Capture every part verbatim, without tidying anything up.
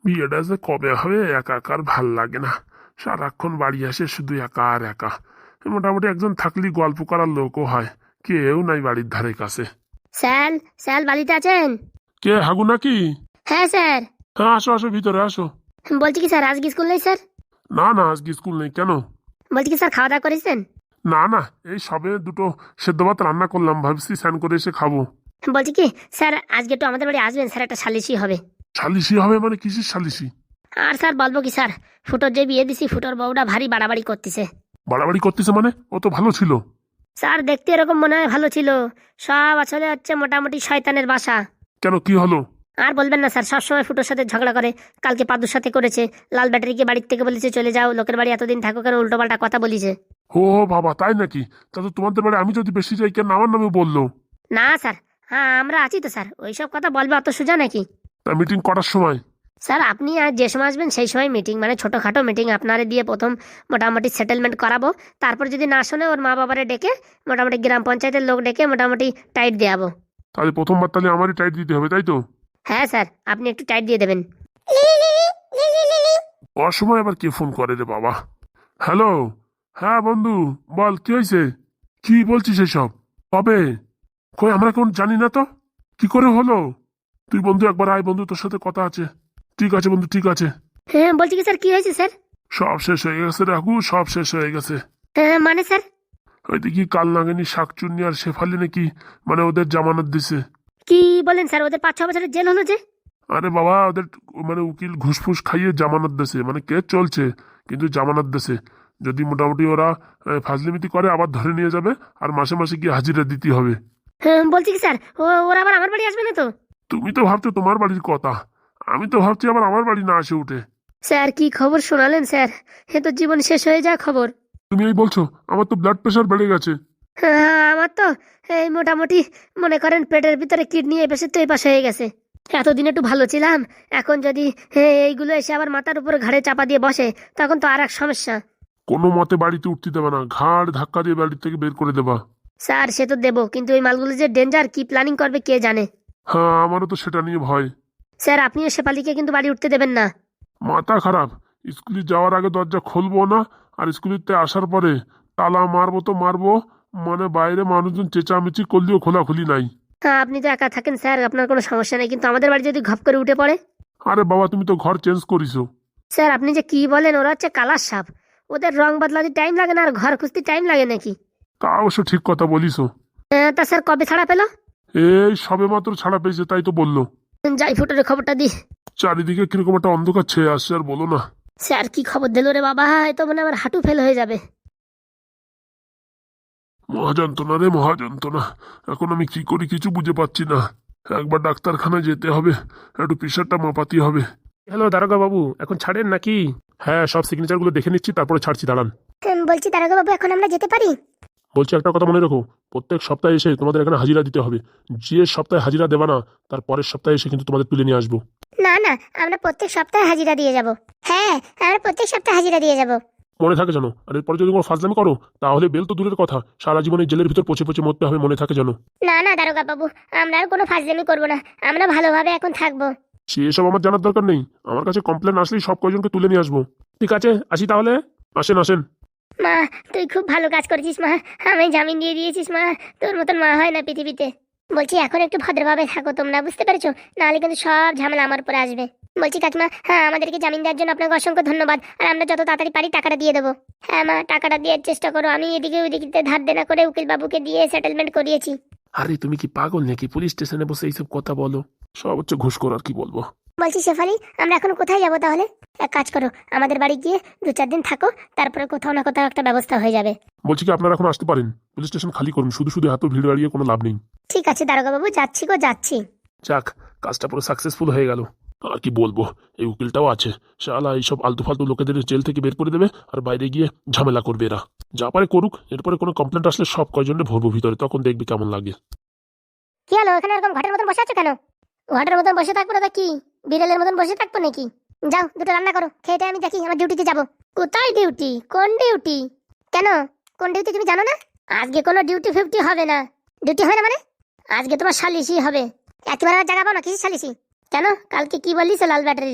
বিয়েটা যে কবে হবে একা একা আর ভাল লাগে না। সারাক্ষণ বাড়ি আসে শুধু একা আর একা। মোটামুটি একজন থাকলেই গল্প করার লোকও হয়, কেউ নাই বাড়ির ধারে কাছে। স্যার, স্যার বাড়িতে আছেন? কে, হাগু নাকি? হ্যাঁ স্যার। হ্যাঁ, আসো আসো, ভিতরে আসো। বলছি কি স্যার, আজকে স্কুল নেই স্যার? না না, আজকে স্কুল নেই। কেন? বলছি কি স্যার, খাওয়া দাওয়া করেছেন? না না, এই সবে দুটো সেদ্ধ ভাত রান্না করলাম, ভাবছি স্নান করে এসে খাবো। বলছি কি স্যার, আজকে একটু আমাদের বাড়ি আসবেন স্যার, একটা সালিশি হবে। সালিশি হবে মানে কিসের সালিশি? আর স্যার বলবো কি স্যার, ফুটোর যে বিয়ে দিছি ফুটোর বউটা ভারী বাড়াবাড়ি করতেছে। বাড়াবাড়ি করতেছে মানে? ও তো ভালো ছিল। স্যার দেখতে এরকম মনে হয় ভালো ছিল, সব আসলে হচ্ছে মোটামুটি শয়তানের বাসা। কেন, কি হলো? আর বলবেন না স্যার, সবসময় ফুটোর সাথে ঝগড়া করে। কালকে পাদুর সাথে করেছে, লাল ব্যাটারিকে বাড়ির থেকে বলেছে চলে যাও, লোকের বাড়ি এতদিন থাকো কেন, উল্টো পাল্টা কথা বলিছে। ও বাবা, তাই নাকি? তা তো তোমাদের বাড়ি আমি যদি বেশি যাই, কেন আমার নামে বললো? না স্যার, হ্যাঁ আমরা আছি তো স্যার, ওইসব কথা বলবে অত সোজা নাকি? তা মিটিং করার সময়? স্যার আপনি আর যে সময় আসবেন সেই সময় মিটিং, মানে ছোটোখাটো মিটিং আপনারে দিয়ে প্রথম মোটামুটি সেটেলমেন্ট করাবো। তারপর যদি না শোনে ওর মা বাবারে ডেকে মোটামুটি গ্রাম পঞ্চায়েতের লোক ডেকে মোটামুটি টাইট দেওয়াবো। তাহলে প্রথমবার তাহলে আমারই টাইট দিতে হবে, তাই তো? হ্যাঁ স্যার, আপনি একটু টাইট দিয়ে দেবেন। অসময় আবার কে ফোন করে রে বাবা? হ্যালো। হ্যাঁ বন্ধু, বল কি হয়েছে? কি বলছিস এসব? কবে? কই, আমরা কোন জানি না তো। কি করে হলো? তুই বন্ধু একবার আয় বন্ধু, তোর সাথে কথা আছে। ঠিক আছে বন্ধু, ঠিক আছে। হ্যাঁ বলছি কি স্যার, কি হয়েছে স্যার? সব শেষ হয়ে গেছে রাঘু, সব শেষ হয়ে গেছে। হ্যাঁ মানে স্যার? ওই দেখি কাল নাগিনী শাকচুন্নি আর শেফালি নাকি মানে ওদের জামানত দিছে। কি বলেন স্যার, ওদের পাঁচ ছ বছরের জেল হলো যে? আরে বাবা, ওদের মানে উকিল ঘুষফুস খাইয়ে জামানত দিছে, মানে কেস চলছে কিন্তু জামানত দিছে। যদি মোটামুটি ওরা আহ, ফাজলিমিতি করে আবার ধরে নিয়ে যাবে, আর মাসে মাসে গিয়ে হাজিরা দিতে হবে। হ্যাঁ বলছি কি স্যার, ও ওরা আবার আমার বাড়ি আসবে না তো? তুমি তো ভাবছো তোমার বাড়ির কথা, আমি তো ভাবছি আবার আমার বাড়ি না আসে উঠে। স্যার কি খবর শোনালেন স্যার, এ তো জীবন শেষ হয়ে যাওয়া খবর। তুমি এই বলছো? আমার তো ব্লাড প্রেশার বেড়ে গেছে। হ্যাঁ আমার তো এই মোটামুটি মনে করেন পেটের ভিতরে কিডনি এই পাশে তো এই পাশে হয়ে গেছে। এতদিন একটু ভালো ছিলাম, এখন যদি হ্যাঁ, এইগুলো এসে আবার মাথার উপরে ঘাড়ে চাপা দিয়ে বসে তখন তো আর এক সমস্যা। কোনো মতে বাড়িতে উঠতে দেবে না, ঘাড় ধাক্কা দিয়ে বাড়ি থেকে বের করে দেবা। স্যার সে তো দেবো, কিন্তু এই মালগুলো যে ডেঞ্জার, কি প্ল্যানিং করবে কে জানে। হ্যাঁ, আমারও তো সেটা নিয়ে ভয়। স্যার আপনিও শেফালিকে কিন্তু বাড়ি উঠতে দেবেন না। মাথা খারাপ। স্কুলে যাওয়ার আগে দরজা খুলবো না, আর স্কুলেতে আসার পরে তালা মারবো তো মারবো, মানে বাইরে মানুষজন চেঁচামেচি করলেও খোলাখুলি নাই। হ্যাঁ আপনি তো একা থাকেন স্যার, আপনার কোনো সমস্যা নেই, কিন্তু আমাদের বাড়ি যদি ঘপ করে উঠে পড়ে? আরে বাবা, তুমি তো ঘর চেঞ্জ করিছো। স্যার আপনি যে কি বলেন, ওরা হচ্ছে কালার সাপ, ওদের রং বদলাতে টাইম লাগে না আর ঘর খুঁজতে টাইম লাগে নাকি? তা অবশ্য ঠিক কথা বলিছো। হ্যাঁ, তা স্যার কবে ছাড়া পেলো? এই সবে মাত্র ছাড়া পেয়েছে, তাই তো বললো। যাই ফুটোরে খবরটা দি। চারিদিকে কিরকম একটা অন্ধকার ছেয়ে আসছে, আর বলো না। স্যার কি খবর দিল রে বাবা, এ তো মানে আমার হাঁটু ফেল হয়ে যাবে। মহাযন্ত্রণা রে মহাযন্ত্রণা। এখন আমি কি করি কিছু বুঝে পাচ্ছি না। একবার ডাক্তারখানায় যেতে হবে, একটু প্রেশারটা মাপাতে হবে। হ্যালো দারোগা বাবু, এখন ছাড়েন নাকি? হ্যাঁ, সব সিগনেচার গুলো দেখে নিচ্ছি, তারপরে ছাড়ছি, দাঁড়ান। বলছি দারোগা বাবু, এখন আমরা যেতে পারি? বলছি একটা কথা মনে রাখো, প্রত্যেক সপ্তাহে এসে তোমাদের এখানে হাজিরা দিতে হবে। যে সপ্তাহে হাজিরা দেবা না, তার পরের সপ্তাহে এসে কিন্তু তোমাদের তুলে নিয়ে আসবো। না না, আমরা প্রত্যেক সপ্তাহে হাজিরা দিয়ে যাব। হ্যাঁ, আমরা প্রত্যেক সপ্তাহে হাজিরা দিয়ে যাব। মনে থাকে জানো, আর এরপরে যদি কোনো ফাজলামি করো তাহলে বেল তো দূরের কথা, সারা জীবন এই জেলের ভিতর পচে পচে মরতে হবে, মনে থাকে জানো। না না দারোগা বাবু, আমরা আর কোনো ফাজলামি করব না, আমরা ভালোভাবে এখন থাকবো। সেসব আমার জানার দরকার নেই, আমার কাছে কমপ্লেন আসলেই সব কয়জনকে তুলে নিয়ে আসবো। ঠিক আছে, আসি তাহলে। আসেন আসেন। মা, তুই খুব ভালো কাজ করেছিস মা, আমি জামিন দিয়ে দিয়েছিস মা, তোর মতন মা হয় না পৃথিবীতে। বলছি এখন একটু ভদ্রভাবে থাকো তোমরা, বুঝতে পেরেছো? নাহলে কিন্তু সব ঝামেলা আমার উপরে আসবে। বলছি কাকিমা, হ্যাঁ আমাদেরকে জামিন দেওয়ার জন্য আপনাকে অসংখ্য ধন্যবাদ, আর আমরা যত তাড়াতাড়ি পারি টাকাটা দিয়ে দেবো। হ্যাঁ মা, টাকাটা দেওয়ার চেষ্টা করো, আমি এদিকে ওইদিকে ধার দেনা করে উকিল বাবুকে দিয়ে সেটেলমেন্ট করিয়েছি। আরে তুমি কি পাগল নাকি? পুলিশ স্টেশনে বসে এইসব কথা বলো, সব হচ্ছে ঘুষ করার, কি বলবো। বলছি শেফালি, আমরা এখন কোথায় যাবো তাহলে? এক কাজ করো, আমাদের বাড়ি গিয়ে দু চার দিন থাকো, তারপরে কোথাও না কোথাও একটা ব্যবস্থা হয়ে যাবে। বলছি কি, আপনারা এখন আসতে পারেন, পুলিশ স্টেশন খালি করুন, শুধু শুধু এত ভিড় বাড়িয়ে কোনো লাভ নেই। ঠিক আছে দারোগা বাবু, যাচ্ছি গো যাচ্ছি। যাক, কাজটা পুরো সাকসেসফুল হয়ে গেল। আর কি বলবো, এই উকিলটাও আছে, শালা এইসব আলতু ফালতু লোকেদের জেল থেকে বের করে দেবে, আর বাইরে গিয়ে ঝামেলা করবে এরা। যা পারে করুক, এরপরে কোনো কমপ্লেন্ট আসলে সব কয়জনে ভরবো ভিতরে, তখন দেখবি কেমন লাগে। কি হলো, এখানে এরকম ঘাটের মতন বসে আছো কেন? ঘাটের মতন বসে থাকবো না কি, বিড়ালের মতন বসে থাকবো নাকি? যাও দুটো রান্না করো, খেয়ে আমি দেখি আমার ডিউটিতে যাবো। কোথায় ডিউটি? কোন ডিউটি? কেন, কোন ডিউটি তুমি জানো না? আজকে কোনো ডিউটি ফিফটি হবে না। ডিউটি হবে না মানে? আজকে তোমার সালিশি হবে। একেবারে জায়গা পাও না, কিসের সালিশি? কেন, কালকে কি বললিস লাল ব্যাটারি রে?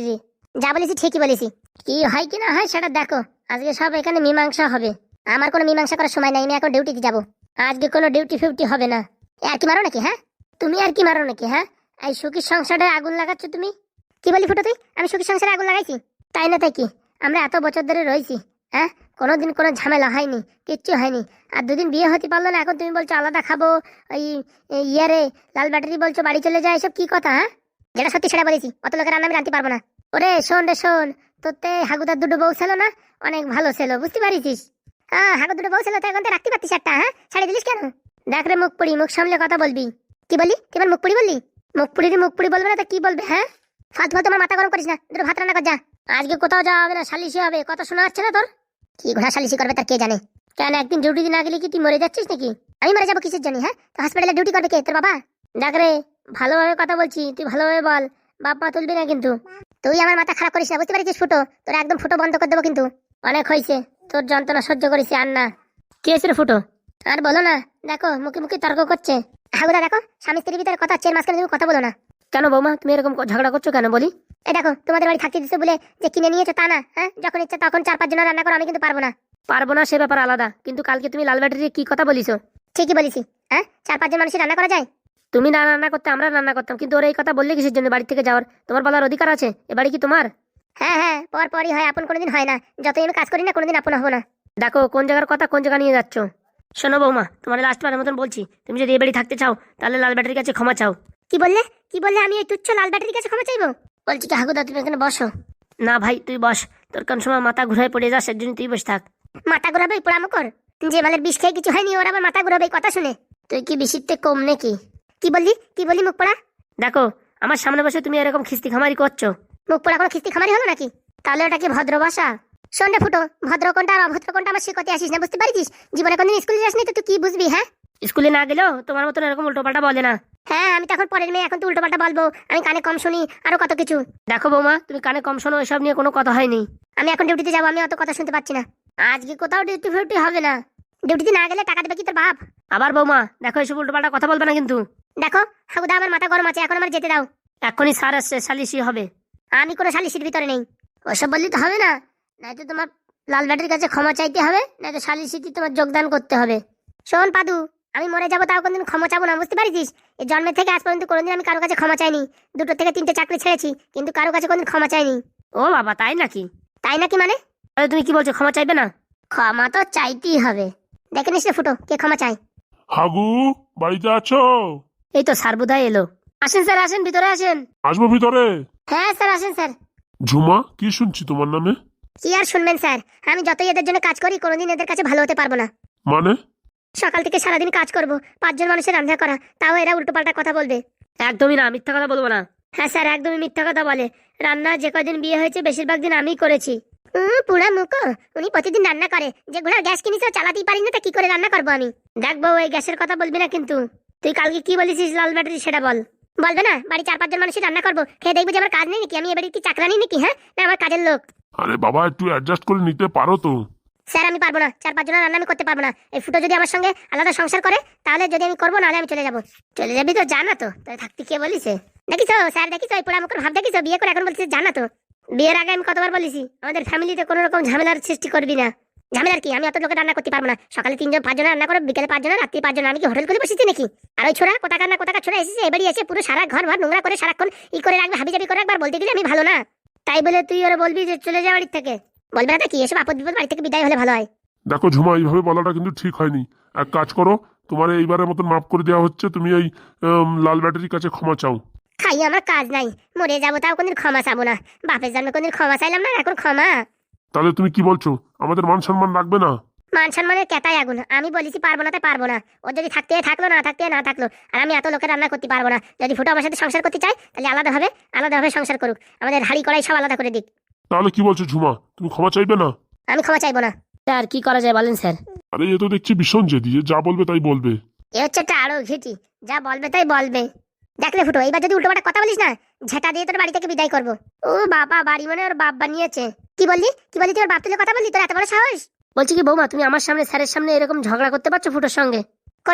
যা বলেছি ঠিকই বলেছি। কি হয় কি না হয় সেটা দেখো, আজকে সব এখানে মীমাংসা হবে। আমার কোনো মীমাংসা করার সময় নাই, আমি এখন ডিউটিতে যাবো। আজকে কোনো ডিউটি ফিউটি হবে না। এ আর কি মারো নাকি? হ্যাঁ তুমি আর কি মারো নাকি? হ্যাঁ এই সুখীর সংসারে আগুন লাগাচ্ছ তুমি। কি বলি ফুটো তুই? আমি সুখীর সংসারে আগুন লাগাইছি? তাই না তাই কি? আমরা এত বছর ধরে রয়েছি, হ্যাঁ কোনোদিন কোনো ঝামেলা হয়নি, কিচ্ছু হয়নি। আর দুদিন বিয়ে হতে পারলো না, এখন তুমি বলছো আলাদা খাবো। ওই ইয়ারে লাল ব্যাটারি বলছো বাড়ি চলে যায়, এসব কি কথা? হ্যাঁ যেটা সত্যি সেটা বলেছি, অত লোকের রান্না আমি রাঁধতে পারবো না। ওরে শোন রে শোন, তোরতে হাগুদার দুটো বউ ছিল না, অনেক ভালো ছিল, বুঝতে পারিস? হ্যাঁ হাগু দুটো বউ ছিল তো, এখন তো রাখতে পারতিস একটা। হ্যাঁ ছাড়িয়ে দিলিস কেন? দেখ রে মুখ পুড়ি, মুখ সামলে কথা বলবি। কি বলি? তুই আমার মুখ পুড়ি বললি? মুখ পুড়ি মুখ পুড়ি বলবে না তো কি বলবে? হ্যাঁ ফালতু ফালতু আমার মাথা গরম করিস না, দুটো ভাত রান্না কর যা। আজকে কোথাও যাওয়া হবে না, সালিশি হবে। কথা শোনা যাচ্ছে না তোর? কি ঘোড়া সালিশি করবে তার কে জানে। কেন একদিন ডিউটি না গেলে কি তুই মরে যাচ্ছিস নাকি? আমি মরে যাবো কিসের জানি? হ্যাঁ তো হসপিটালে ডিউটি করবে কে? তোর বাবা? দেখ রে ভালোভাবে কথা বলছি, তুই ভালোভাবে বল, বাপ মা তুলবি না কিন্তু। তুই আমার মাথা খারাপ করিস না, বুঝতে পারছিস ফুটো? তোর একদম ফুটো বন্ধ করে দেবো কিন্তু। অনেক হয়েছে, তোর যন্ত্রণা সহ্য করেছি আর না। কি হয়েছে রে ফুটো? আর বলো না, দেখো মুখে মুখে তর্ক করছে। হাগুদা দেখো, স্বামী স্ত্রীর ভিতরে কথা, চের মাঝখানে তুমি কথা বলো না। কেন বৌমা তুমি এরকম ঝগড়া করছো কেন বলি? এই দেখো তোমাদের বাড়ি থাকতে দিচ্ছে বলে যে কিনে নিয়েছো তা না। হ্যাঁ যখন ইচ্ছা তখন চার পাঁচ জন রান্না করো, আমি কিন্তু পারবো না। পারবো না সে ব্যাপার আলাদা, কিন্তু কালকে তুমি লাল ব্যাটারি কি কথা বলিছো? ঠিকই বলেছি। হ্যাঁ চার পাঁচজন মানুষের রান্না করা যায়? তুমি না রান্না করতে আমরা রান্না করতাম, কিন্তু ওর এই কথা বললে কিসের জন্য? বাড়ি থেকে যাওয়ার তোমার বলার অধিকার আছে, এ বাড়ি কি তোমার? হ্যাঁ হ্যাঁ পর পরই হয়, আপন কোনোদিন হয় না। যতই আমি কাজ করি না কোনোদিন আপন হবো না। দেখো কোন জায়গার কথা কোন জায়গা নিয়ে যাচ্ছ। শোনো বৌমা, তোমার লাস্টবারের মতন বলছি, তুমি যদি এই বাড়ি থাকতে চাও তাহলে লাল ব্যাটারির কাছে ক্ষমা চাও। কি বললে? কি বললে? আমি এই তুচ্ছ লাল ব্যাটারির কাছে ক্ষমা চাইবো? বলছি কি হাগুদা তুমি এখানে বসো। না ভাই তুই বস, তোর কোন সময় মাথা ঘুরায় পড়ে যাস, এর জন্য তুই বসে থাক। মাথা ঘুরাবে পোড়ামো কর, যে মালের বিষ খেয়ে কিছু হয়নি ওর আবার মাথা ঘুরাবে কথা শুনে। তুই কি বিষিতে কম নাকি? কি বললি? কি বললি মুখ পোড়া? দেখো আমার সামনে বসে তুমি এরকম খিস্তি খামারি করছো। মুখ পোড়া কোনো খিস্তি খামারি হলো নাকি? তাহলে ওটা কি ভদ্র ভাষা? শোন রে ফুটো, ভদ্র কোনটা আর অভদ্র কোনটা আমার শিখতে আসিস না, বুঝতে পারিস? জীবনে কোনদিন স্কুলে যাসনি তো তুই কি বুঝবি? হ্যাঁ স্কুলে না গেলেও তোমার মতন এরকম উল্টো পাল্টা বলে না। হ্যাঁ আমি তো এখন পরের মেয়ে, এখন তো উল্টো পাল্টা বলবো, আমি কানে কম শুনি আরো কত কিছু। দেখো বৌমা তুমি কানে কম শোনো, এসব নিয়ে কোনো কথা হয়নি। আমি এখন ডিউটিতে যাবো, আমি অত কথা শুনতে পাচ্ছি না। আজকে কোথাও ডিউটি ফিউটি হবে না। ডিউটিতে না গেলে টাকা দেবে কি তোর বাপ? আবার বৌমা দেখো এসব উল্টো পাল্টা কথা বলবে না কিন্তু। দেখো হাগুদা আমার মাথা গরম আছে, এখন আমার যেতে দাও। এখনই স্যার আসছে, সালিশি হবে। আমি কোনো সালিশির ভিতরে নেই, ওসব বললে তো হবে না। নয়তো তোমার লাল ব্যাটারির কাছে ক্ষমা চাইতে হবে, নয়তো সালিশিতে তোমার যোগদান করতে হবে। শোন পাদু, আমি মরে যাবো তাও কোনদিন ক্ষমা চাবো না, বুঝতে পারিস? এই জন্মের থেকে আজ পর্যন্ত কোনোদিন আমি কারো কাছে ক্ষমা চাইনি। দুটো থেকে তিনটে চাকরি ছেড়েছি, কিন্তু কারো কাছে কোনদিন ক্ষমা চাইনি। ও বাবা তাই নাকি? তাই নাকি মানে? আরে তুমি কি বলছো, ক্ষমা চাইবে না? ক্ষমা তো চাইতেই হবে। দেখে নিস রে ফুটো কে ক্ষমা চাই। হাগু বাড়িতে আছো? এই তো স্যার বোধহয় এলো। আসেন স্যার আসেন, ভিতরে আসেন। আসবো ভিতরে? হ্যাঁ স্যার আসেন স্যার। ঝুমা কি শুনছি তোমার নামে? কি আর শুনবেন স্যার, আমি যতই এদের জন্য কাজ করি কোনোদিন এদের কাছে ভালো হতে পারবো না। মানে? সকাল থেকে সারাদিন কাজ করব, পাঁচজন মানুষের রান্না করা, তাও এরা উল্টোপাল্টা কথা বলবে। একদমই না, মিথ্যা কথা বলবো না। হ্যাঁ স্যার একদমই মিথ্যা কথা বলে। রান্না যে কদিন বিয়ে হয়েছে বেশিরভাগ দিন আমিই করেছি। হুম পুরা মুখো, উনি প্রতিদিন রান্না করে। যে ঘোড়ার গ্যাস কিনেছে চালাতেই পারি না, তা কি করে রান্না করবো আমি? দেখ বউ এই গ্যাসের কথা বলবি না কিন্তু। তুই কালকে কি বলেছিস লাল ব্যাটারি সেটা বল। বলবে না? বাড়ি চার পাঁচজন মানুষের রান্না করবো, খেয়ে দেখবো যে আমার কাজ নেই নাকি? আমি এবারে কি চাকরানি নাকি? হ্যাঁ না আমার কাজের লোক। আরে বাবা একটু অ্যাডজাস্ট করে নিতে পারো তো। স্যার আমি পারবো না, চার পাঁচ জনের রান্না আমি করতে পারবো না। এই ফুটো যদি আমার সঙ্গে আলাদা সংসার করে তাহলে যদি আমি করবো, নাহলে আমি চলে যাবো। চলে যাবি তো? জানা তো তাই থাকতে কে বলিছে? দেখিছো স্যার, দেখিছো এই পোড়া মুখের ভাব দেখিছো? বিয়ে করে এখন বলছিস জানা তো। বিয়ের আগে আমি কতবার বলেছি আমাদের ফ্যামিলিতে কোনো রকম ঝামেলার সৃষ্টি করবি না। ঝামেলার কি? আমি অত লোকের রান্না করতে পারবো না। সকালে তিনজন পাঁচজন রান্না করো, বিকেলে পাঁচজন, রাত্রি পাঁচজন। আমি কি হোটেল করে বসেছি নাকি? আর ওই ছোড়া কোথাকার না কোথাকার ছোড়া এসেছে এবারই এসে পুরো সারা ঘর ভর নোংরা করে সারাক্ষণ ই করে রাখবে, হাবি জাবি করে একবার বলতে গেলে আমি ভালো না। তাই বলে তুই ওরা বলবি যে চলে যা বাড়ির থেকে? বলবে না কি? এসব আপদ বিপদ বাড়ি থেকে বিদায় হলে ভালো হয়। দেখো ঝুমা এইভাবে বলাটা কিন্তু ঠিক হয়নি। এক কাজ করো, তোমার এইবারের মতন মাফ করে দেওয়া হচ্ছে, তুমি এই উম, লাল ব্যাটারির কাছে ক্ষমা চাও। খাই আমার কাজ নাই, মরে যাবো তাও কোনদিন ক্ষমা চাবো না। বাপের জন্মে কোনদিন ক্ষমা চাইলাম না, এখন ক্ষমা? তাহলে তুমি কি বলছো, আমাদের মান সম্মান রাখবে না? মান সম্মানের কেতাই আগুন। আমি বলেছি পারবো না তাই পারবো না। ও যদি থাকতে থাকলো, না থাকতে না থাকলো। আর আমি এত লোকের রান্না করতে পারবো না। যদি ফুটো আমার সাথে সংসার করতে চাই তাহলে আলাদাভাবে আলাদাভাবে সংসার করুক, আমাদের হাড়ি কড়াই সব আলাদা করে দিক। তাহলে কি বলছো ঝুমা, তুমি ক্ষমা চাইবে না? আমি ক্ষমা চাইবো না। স্যার কি করা যায় বলেন স্যার? আরে এ তো দেখছি ভীষণ জেদি, এ যা বলবে তাই বলবে। এ হচ্ছে একটা আরো ঘেটি, যা বলবে তাই বলবে। দেখলে ফুটো এইবার যদি উল্টোপাল্টা কথা বলিস না, ঝেঁটা দিয়ে তোর বাড়ি থেকে বিদায় করবো। ও বাবা, বাড়ি মানে ওর বাপ বানিয়েছে। কি বললি? কি বললি? তুই ওর বাপ তুলে কথা বললি? তোর এত বড় সাহস? বলছি কি বৌমা, তুমি আমার সামনে স্যারের সামনে এরকম ঝগড়া করতে পারছো ফুটোর সঙ্গে? করবে না?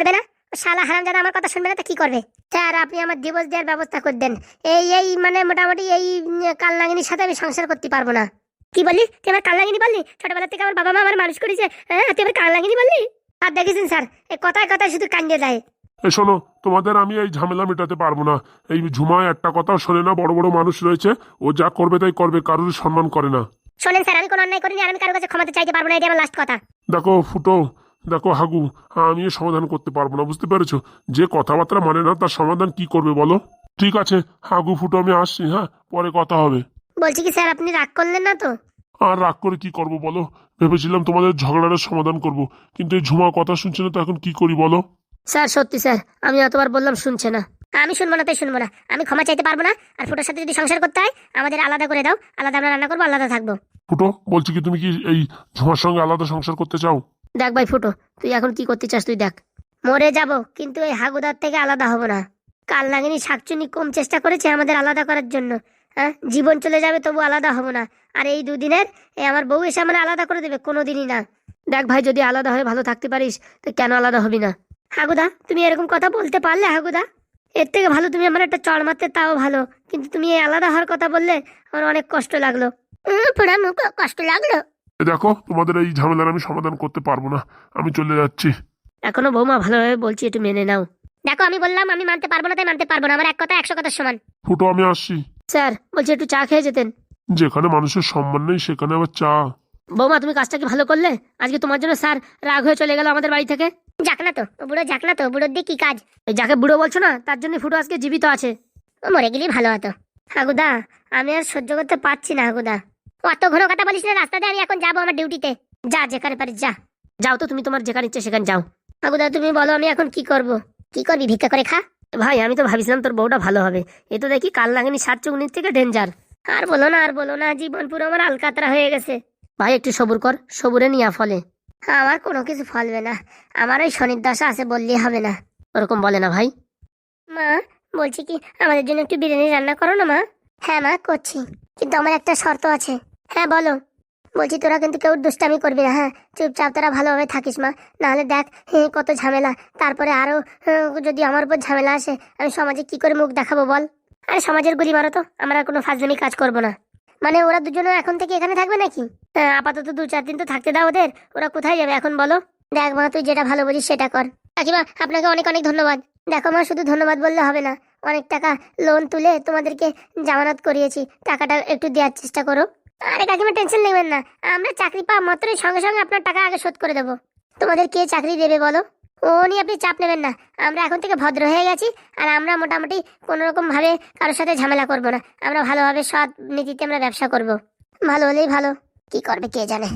শালা হারামজাদা আমার কথা শুনবে না তো কি করবে? স্যার আপনি আমার ডিভোর্স দেওয়ার ব্যবস্থা করে দেন। এই এই মানে মোটামুটি এই উম, কালনাগিনীর সাথে আমি সংসার করতে পারবো না। কি বললি? তুই আমার কালনাগিনী বললি? ছোটবেলা থেকে আমার বাবা মা আমার মানুষ করেছে, হ্যাঁ তুই আমার কালনাগিনী বললি? আর দেখেছেন স্যার, এই কথায় কথায় শুধু কান্দিয়ে দেয়। এ শোনো, তোমাদের আমি এই ঝামেলা মেটাতে পারবো না। এই ঝুমা একটা কথা শোনে না, বড় বড় মানুষ রয়েছে, ও যা করবে তাই করবে, কারোর সম্মান করে না। শোনেন স্যার, আমি কোনো অন্যায় করিনি, আর আমি কারোর কাছে ক্ষমা চাইতে পারবো না, এটা আমার লাস্ট কথা। দেখো ফুটো, দেখো হাগু, আমি এর সমাধান করতে পারবো না, বুঝতে পেরেছো? যে কথাবার্তা মানে না তার সমাধান কি করবে বলো? ঠিক আছে হাগু ফুটো, আমি আসছি, হ্যাঁ পরে কথা হবে। বলছি কি স্যার, আপনি রাগ করলেন না তো? আর রাগ করে কি করব বলো? ভেবেছিলাম তোমাদের ঝগড়াটার সমাধান করব, কিন্তু এই ঝুমা কথা শুনছে না, তো এখন কি করি বলো? স্যার সত্যি স্যার, আমি এতবার বললাম শুনছে না। আমি শুনবো না তাই শুনবো না, আমি ক্ষমা চাইতে পারবো না। আর ফুটোর সাথে যদি সংসার করতে হয় আমাদের আলাদা করে দাও, আলাদা আমরা রান্না করবো, আলাদা থাকবো। ফুটো বলছি কি, তুমি কি এই ঝুমার সঙ্গে আলাদা সংসার করতে চাও? দেখ ভাই ফুটো, তুই এখন কি করতে চাস তুই দেখ। মরে যাব কিন্তু এই হাগুদার থেকে আলাদা হব না। কাল নাগিনী শাকচুনি কম চেষ্টা করেছে আমাদের আলাদা করার জন্য, হ্যাঁ জীবন চলে যাবে তবু আলাদা হব না। আর এই দুদিনের এই আমার বউ এসে আমরা আলাদা করে দেবে, কোনোদিনই না। দেখ ভাই, যদি আলাদা হয়ে ভালো থাকতে পারিস তো কেন আলাদা হবি না? হাগুদা তুমি এরকম কথা বলতে পারলে? হাগুদা এর থেকে ভালো তুমি আমার একটা চড় মারতে, তাও ভালো। কিন্তু তুমি এই আলাদা হওয়ার কথা বললে আমার অনেক কষ্ট লাগলো। উম, পুরা মুখ কষ্ট লাগলো। এ দেখো, তোমাদের এই ঝামেলার আমি সমাধান করতে পারবো না, আমি চলে যাচ্ছি। এখনো বৌমা ভালোভাবে বলছি, একটু মেনে নাও। দেখো আমি বললাম আমি মানতে পারবো না তাই মানতে পারবো না, আমার এক কথা একশো কথার সমান। ফুটো আমি আসছি। স্যার বলছি একটু চা খেয়ে যেতেন। যেখানে মানুষের সম্মান নেই সেখানে আবার চা? বৌমা তুমি কাজটা কি ভালো করলে? আজকে তোমার জন্য স্যার রাগ হয়ে চলে গেল আমাদের বাড়ি থেকে। যাক না তো ও বুড়ো, যাক না তো, বুড়োর দিয়ে কি কাজ? এই যাকে বুড়ো বলছো না তার জন্য ফুটো আজকে জীবিত আছে। ও মরে গেলেই ভালো হতো। হাগুদা আমি আর সহ্য করতে পারছি না হাগুদা। অত ঘন কথা বলিস না, রাস্তা দিয়ে আমি এখন যাবো আমার ডিউটিতে। যা যেখানে পারিস যা। যাও তো তুমি, তোমার যেখানে ইচ্ছে সেখানে যাও। হাগুদা তুমি বলো আমি এখন কি করব? কি করবি, ভিক্ষা করে খা। ভাই আমি তো ভাবছিলাম তোর বউটা ভালো হবে, এ তো দেখি কাল লাগেনি সাত চুগনির থেকে ডেঞ্জার। আর বলো না আর বলো না, জীবন পুরো আমার আলকাতরা হয়ে গেছে। ভাই একটু সবুর কর, সবুরে নিয়া ফলে। আমার কোনো কিছু ফলবে না, আমার ওই শনির দশা আছে বললেই হবে না। ওরকম বলে না ভাই। মা বলছি কি, আমাদের জন্য একটু বিরিয়ানি রান্না করো না মা। হ্যাঁ মা করছি, কিন্তু আমার একটা শর্ত আছে। হ্যাঁ বলো। বলছি তোরা কিন্তু কেউ দুষ্টামি করবি না, হ্যাঁ চুপচাপ তোরা ভালোভাবে থাকিস মা, নাহলে দেখ হে, কত ঝামেলা। তারপরে আরো আহ, যদি আমার উপর ঝামেলা আসে আমি সমাজে কি করে মুখ দেখাবো বল? আরে সমাজের গুলি মারো তো, আমরা আর কোনো ফাজলামি কাজ করবো না। মানে ওরা দুজনে এখন থেকে এখানে থাকবে নাকি? হ্যাঁ আপাতত দু চার দিন তো থাকতে দাও ওদের, ওরা কোথায় যাবে এখন বলো? দেখ মা তুই যেটা ভালো বুঝিস সেটা কর। কাকিমা আপনাকে অনেক অনেক ধন্যবাদ। দেখো মা, শুধু ধন্যবাদ বললে হবে না, অনেক টাকা লোন তুলে তোমাদেরকে জামানত করিয়েছি, টাকাটা একটু দেওয়ার চেষ্টা করো। আরে কাকিমা টেনশন নেবেন না, আমরা চাকরি পাওয়া মাত্রই সঙ্গে সঙ্গে আপনার টাকা আগে শোধ করে দেবো। তোমাদের কে চাকরি দেবে বলো? ও নিয়ে আপনি চাপ নেবেন না, আমরা এখন থেকে ভদ্র হয়ে গেছি। আর আমরা মোটামুটি কোনো রকম ভাবে কারোর সাথে ঝামেলা করব না, আমরা ভালোভাবে সৎ নীতিতে আমরা ব্যবসা করব। ভালো হলেই ভালো, কি করবে কে জানে।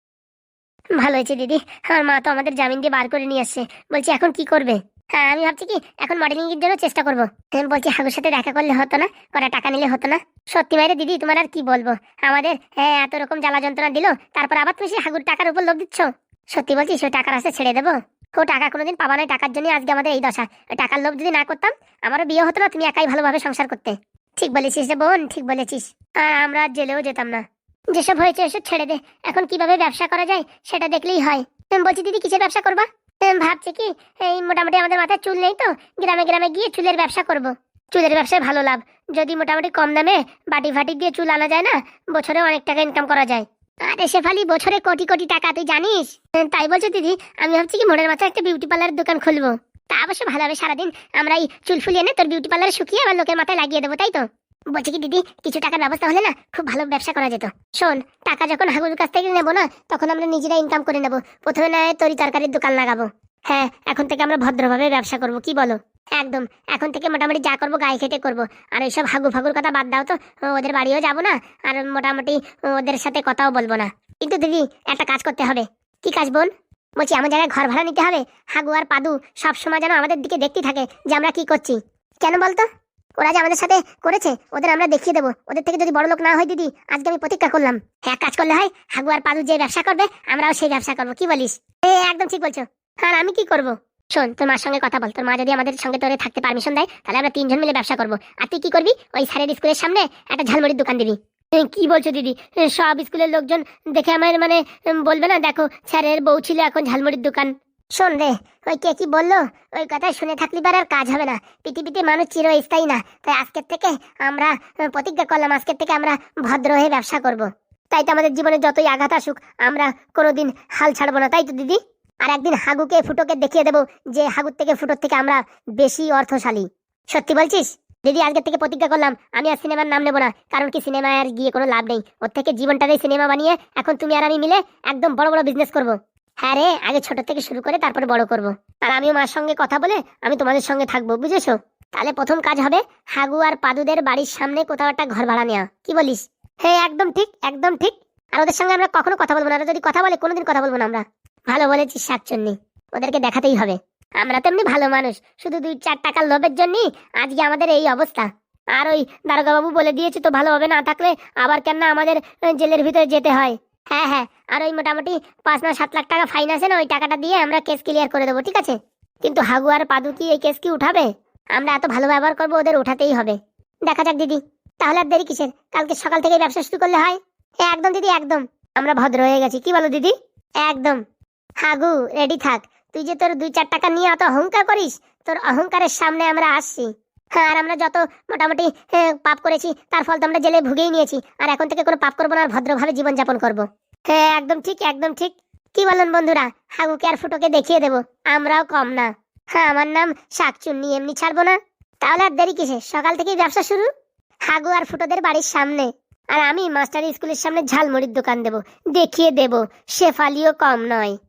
ভালো হয়েছে দিদি, আমার মা তো আমাদের জামিন দিয়ে বার করে নিয়ে আসছে। বলছি এখন কি করবে? হ্যাঁ আমি ভাবছি কি এখন মডেলিং এর জন্য চেষ্টা করবো। আমি বলছি হাগুর সাথে দেখা করলে হতো না, কটা টাকা নিলে হতো না? সত্যি মাইরে দিদি তোমার আর কি বলবো, আমাদের হ্যাঁ এত রকম জ্বালা যন্ত্রণা দিল, তারপর আবার তুমি সেই হাগুর টাকার উপর লোভ দিচ্ছ। সত্যি বলছি সে টাকার আছে ছেড়ে দেবো? ও টাকা কোনোদিন পাবা না, টাকার জন্য আজকে আমাদের এই দশা। ওই টাকার লোভ যদি না করতাম আমারও বিয়ে হতো না, তুমি একাই ভালোভাবে সংসার করতে। ঠিক বলেছিস রে বোন, ঠিক বলেছিস। আর আমরা আর জেলেও যেতাম না। যেসব হয়েছে এসব ছেড়ে দে, এখন কিভাবে ব্যবসা করা যায় সেটা দেখলেই হয়। আমি বলছি দিদি কিসের ব্যবসা করবা? আমি ভাবছি কি এই মোটামুটি আমাদের মাথায় চুল নেই তো, গ্রামে গ্রামে গিয়ে চুলের ব্যবসা করব। চুলের ব্যবসায় ভালো লাভ, যদি মোটামুটি কম দামে বাটি ফাটি দিয়ে চুল আনা যায় না, বছরে অনেক টাকা ইনকাম করা যায়। আরে শেফালি বছরে কোটি কোটি টাকা, তুই জানিস? তাই বলছো দিদি, আমি ভাবছি কি মনের মাথায় একটা বিউটি পার্লারের দোকান খুলবো। তা অবশ্য ভালো হবে, সারাদিন আমরা এই চুল ফুলিয়ে এনে তোর বিউটি পার্লারে শুকিয়ে আবার লোকের মাথায় লাগিয়ে দেবো, তাই তো? বলছি কি দিদি, কিছু টাকার ব্যবস্থা হলে না খুব ভালো ব্যবসা করা যেত। শোন, টাকা যখন হাগুর কাছ থেকে নেবো না তখন আমরা নিজেরা ইনকাম করে নেবো। প্রথমে না তরি তরকারির দোকান লাগাবো। হ্যাঁ এখন থেকে আমরা ভদ্রভাবে ব্যবসা করব, কি বলো? একদম, এখন থেকে মোটামুটি যা করবো গায়ে খেটে করবো। আর এইসব হাগু ফাগুর কথা বাদ দাও তো, ওদের বাড়িও যাবো না, আর মোটামুটি ওদের সাথে কথাও বলবো না। কিন্তু দিদি একটা কাজ করতে হবে। কি কাজ বোন? বলছি আমার জায়গায় ঘর ভাড়া নিতে হবে, হাগু আর পাদু সব সময় যেন আমাদের দিকে দেখতে থাকে যে আমরা কি করছি। কেন বলতো? ওরা যে আমাদের সাথে করেছে ওদের আমরা দেখিয়ে দেবো, ওদের থেকে যদি বড় লোক না হয় দিদি, আজকে আমি প্রতিজ্ঞা করলাম হ্যাঁ কাজ করলে হয় হাগু আর পাদু যে ব্যবসা করবে আমরাও সেই ব্যবসা করবো, কি বলিস? এ একদম ঠিক বলছো। আর আমি কি করব? শোন তোর মার সঙ্গে কথা বল, তোর মা যদি আমাদের সঙ্গে তোরে থাকতে পারমিশন দেয় তাহলে আমরা তিনজন মিলে ব্যবসা করবো। আর তুই কি করবি, ওই স্যারের স্কুলের সামনে একটা ঝালমুড়ির দোকান দিবি। এ, কি বলছো দিদি? এ, সব স্কুলের লোকজন দেখে আমার মানে উম, বলবে না দেখো স্যারের বউ ছিল এখন ঝালমুড়ির দোকান। শোন রে, ওই কে কি বললো, ওই কথা শুনে থাকলি বার আর কাজ হবে না। পৃথিবীতে মানুষ চিরস্থায়ী না, তাই আজকের থেকে আমরা আহ, প্রতিজ্ঞা করলাম, আজকের থেকে আমরা ভদ্র হয়ে ব্যবসা করব। তাই তো আমাদের জীবনে যতই আঘাত আসুক আমরা কোনোদিন হাল ছাড়বো না, তাই তো দিদি? আর একদিন হাগুকে ফুটোকে দেখিয়ে দেবো যে হাগুর থেকে ফুটোর থেকে আমরা বেশি অর্থশালী। সত্যি বলছিস? দিদি, আজকের থেকে প্রতিজ্ঞা করলাম আমি আর সিনেমার নাম নেবো না, কারণ কি সিনেমায় আর গিয়ে কোনো লাভ নেই। ওর থেকে জীবনটাকে সিনেমা বানিয়ে এখন তুমি আর আমি মিলে একদম বড় বড় বিজনেস করব। হ্যাঁ রে, আগে ছোট থেকে শুরু করে তারপরে বড় করব। আর আমিও মার সঙ্গে কথা বলে আমি তোমাদের সঙ্গে থাকবো, বুঝেছো? তাহলে প্রথম কাজ হবে হাগু আর পাদুদের বাড়ির সামনে কোথাও একটা ঘর ভাড়া নেওয়া। কি বলিস? হ্যাঁ, একদম ঠিক, একদম ঠিক। আর ওদের সঙ্গে আমরা কখনো কথা বলবো না, ওরা যদি কথা বলে কোনোদিন কথা বলবো না আমরা। ভালো বলেছিস শাকচুন্নি, ওদেরকে দেখাতেই হবে আমরা তেমনি ভালো মানুষ, শুধু দুই চার টাকার লোভের জন্যই আজকে আমাদের এই অবস্থা। আর ওই দারোগা বাবু বলে দিয়েছে তো ভালো হবে, না থাকলে আবার কেন না আমাদের আহ, জেলের ভিতরে যেতে হয়। হ্যাঁ হ্যাঁ, আর ওই মোটামুটি পাঁচ না সাত লাখ টাকা ফাইন আছে না, ওই টাকাটা দিয়ে আমরা কেস ক্লিয়ার করে দেবো, ঠিক আছে? কিন্তু হাগু আর পাদু কি এই কেস কি উঠাবে? আমরা এত ভালো ব্যবহার করবো, ওদের উঠাতেই হবে। দেখা যাক দিদি, তাহলে আর দেরি কিসের, কালকে সকাল থেকে ব্যবসা শুরু করলে হয়। হ্যাঁ একদম দিদি, একদম। আমরা ভদ্র হয়ে গেছি, কি বলো দিদি? একদম। হাগু রেডি থাক, তুই যে তোর দুই চার টাকা নিয়ে অত অহংকার করিস, তোর অহংকারের সামনে আমরা আসছি। হ্যাঁ, আর আমরা যত মোটামুটি আহ, পাপ করেছি তার ফল তো আমরা জেলে ভুগেই নিয়েছি, আর এখন থেকে কোনো পাপ করবো না, আর ভদ্রভাবে জীবনযাপন করবো। হ্যাঁ একদম ঠিক, একদম ঠিক। কি বলেন বন্ধুরা, হাগুকে আর ফুটোকে দেখিয়ে দেবো আমরাও কম না। হ্যাঁ, আমার নাম শাকচুন্নি, এমনি ছাড়বো না। তাহলে আর দেরি কিসে, সকাল থেকেই ব্যবসা শুরু। হাগু আর ফুটোদের বাড়ির সামনে, আর আমি মাস্টার স্কুলের সামনে ঝালমুড়ির দোকান দেবো, দেখিয়ে দেবো শেফালিও কম নয়।